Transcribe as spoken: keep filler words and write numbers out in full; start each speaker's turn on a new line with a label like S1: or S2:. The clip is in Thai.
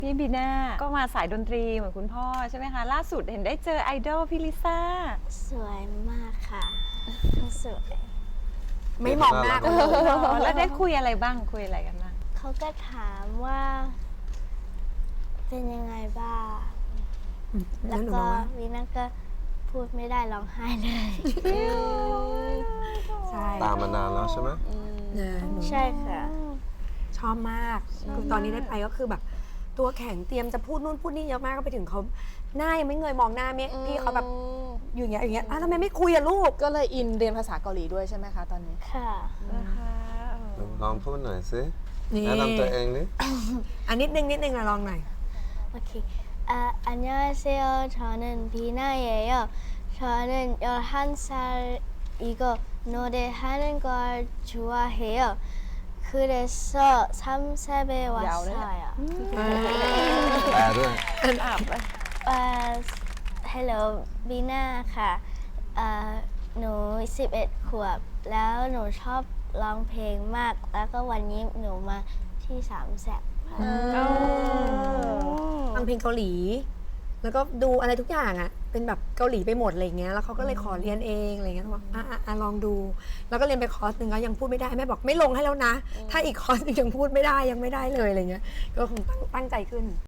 S1: พี่บีน่าก็มาสายดนตรีเหมือนคุณพ่อใช่ไหมคะล่าสุดเห็นได้เจอไอดอลพี่ลิซ่า
S2: สวยมากค่ะสวย
S3: ไม่มองหน้ากันเลย
S1: แล้วได้คุยอะไรบ้างคุยอะไรกันบ้าง
S2: เขาก็ถามว่า เป็นยังไงบ้างแล้ว
S3: หนู
S2: ก็
S3: บอกว่า
S2: วีน่าก็พูดไม่ได้ร้องไห้เลย
S3: ใช่
S4: ตามมานานแล้วใช่ไหม
S3: นะหนู
S2: ใช่ค่ะ
S3: ชอบมากคือตอนนี้ได้ไปก็คือแบบ ตัวแข็งเตรียมจะพูดนู่นพูดนี่เยอะมากก็ไปถึงเขาหน้ายังไม่เงยมองหน้าเมพี่เขาแบบอยู่อย่างเงี้ยอย่างเงี้ยอ้าวทำไมไม่คุยอะลูก
S5: ก็เลยอินเรียนภาษาเกาหลีด้วยใช่ไหมคะตอนนี้
S2: ค่ะ
S1: นะคะ
S4: ลองพูดหน่อยสิ
S3: นี่
S4: แนะนำตัวเองดิ
S3: อันนิดนึงนิดนึงนะลองหน่อย
S2: โอเคอ่า안녕하세요 저는 비나예요 저는 열한 살이고 노래하는 걸 좋아해요 그래서 삼십에 왔어요
S4: แปลด้วย
S2: อ่า Hello บีน่าค่ะอ่าหนูสิบเอ็ดขวบแล้วหนูชอบร้องเพลงมาก แล้วก็วันนี้หนูมาที่สามแสบค่ะ
S3: ฟังเพลงเกาหลี แล้วก็ดูอะไรทุกอย่างอ่ะ เป็นแบบเกาหลีไปหมดอะไรเงี้ย แล้วเขาก็เลยขอเรียนเองอะไรเงี้ยบอกอ่ะอ่ะอ่ะลองดู แล้วก็เรียนไปคอร์สหนึ่งแล้วยังพูดไม่ได้แม่บอกไม่ลงให้แล้วนะ ถ้าอีกคอร์สหนึงยังพูดไม่ได้ยังไม่ได้เลยอะไรเงี้ย ก็คงตั้งตั้งใจขึ้น